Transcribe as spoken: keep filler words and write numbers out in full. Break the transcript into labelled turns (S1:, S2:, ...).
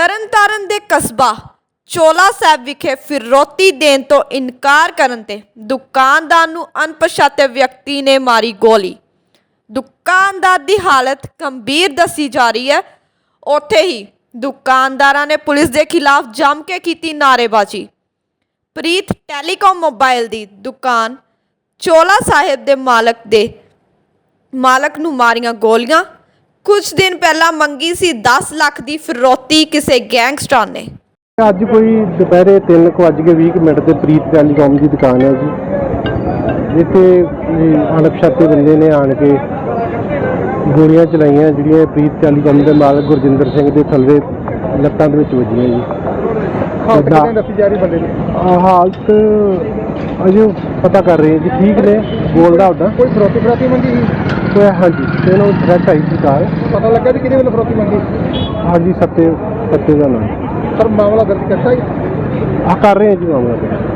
S1: ਤਰਨਤਾਰਨ ਦੇ ਕਸਬਾ ਚੋਲਾ ਸਾਹਿਬ ਵਿਖੇ ਫਿਰੌਤੀ ਦੇਣ ਤੋਂ ਇਨਕਾਰ ਕਰਨ ਤੇ ਦੁਕਾਨਦਾਰ ਨੂੰ ਅਣਪਛਾਤੇ ਵਿਅਕਤੀ ਨੇ ਮਾਰੀ ਗੋਲੀ। ਦੁਕਾਨਦਾਰ ਦੀ ਹਾਲਤ ਗੰਭੀਰ ਦੱਸੀ ਜਾ ਰਹੀ ਹੈ। ਉੱਥੇ ਹੀ ਦੁਕਾਨਦਾਰਾਂ ਨੇ ਪੁਲਿਸ ਦੇ ਖਿਲਾਫ ਜੰਮ ਕੇ ਕੀਤੀ ਨਾਅਰੇਬਾਜ਼ੀ। ਪ੍ਰੀਤ ਟੈਲੀਕਾਮ ਮੋਬਾਈਲ ਦੀ ਦੁਕਾਨ ਚੋਲਾ ਸਾਹਿਬ ਦੇ ਮਾਲਕ ਦੇ ਮਾਲਕ ਨੂੰ ਮਾਰੀਆਂ ਗੋਲੀਆਂ। ਕੁਝ ਦਿਨ ਪਹਿਲਾਂ ਮੰਗੀ ਸੀ दस ਲੱਖ ਦੀ ਫਿਰੌਤੀ ਕਿਸੇ ਗੈਂਗਸਟਰ ਨੇ।
S2: ਅੱਜ ਕੋਈ ਦੁਪਹਿਰੇ ਤਿੰਨ ਵੱਜ ਕੇ ਵੀਹ ਮਿੰਟ ਤੇ ਪ੍ਰੀਤ ਟੈਲੀਕਾਮ ਦੀ ਦੁਕਾਨ ਹੈ ਜੀ, ਜਿੱਥੇ ਅਣਪਛਾਤੇ ਬੰਦੇ ਨੇ ਆਣ ਕੇ ਗੋਲੀਆਂ ਚਲਾਈਆਂ, ਜਿਹੜੀਆਂ ਪ੍ਰੀਤ ਟੈਲੀਕਾਮ ਦੇ ਮਾਲਕ ਗੁਰਜਿੰਦਰ ਸਿੰਘ ਦੇ ਥੱਲੇ ਲੱਤਾਂ ਦੇ ਵਿੱਚ ਵੱਜੀਆਂ ਜੀ। ਹਾਲਤ ਦੱਸੀ ਜਾ ਰਹੀ ਬੰਦੇ ਦੀ ਹਾਲਤ ਅਜੇ ਪਤਾ ਕਰ ਰਹੇ ਜੀ, ਠੀਕ ਨੇ, ਬੋਲਦਾ ਉੱਦਾਂ। ਕੋਈ ਫਰੋਤੀ ਫਰਾਤੀ ਮੰਗੀ ਸੀ? ਹਾਂਜੀ, ਤੇ ਇਹਨਾਂ ਨੂੰ ਥ੍ਰੈਟ ਆਈ ਸੀ ਕਾਰ। ਪਤਾ ਲੱਗਾ ਵੀ ਕਿਹਦੇ ਵੱਲੋਂ ਫਰੋਤੀ ਮੰਗੀ? ਹਾਂਜੀ, ਸੱਤੇ ਸੱਤੇ ਦਾ ਨਾਮ। ਸਰ ਮਾਮਲਾ ਦਰਜ ਕਰਤਾ ਜੀ? ਹਾਂ, ਕਰ ਰਹੇ ਹਾਂ ਜੀ ਮਾਮਲਾ।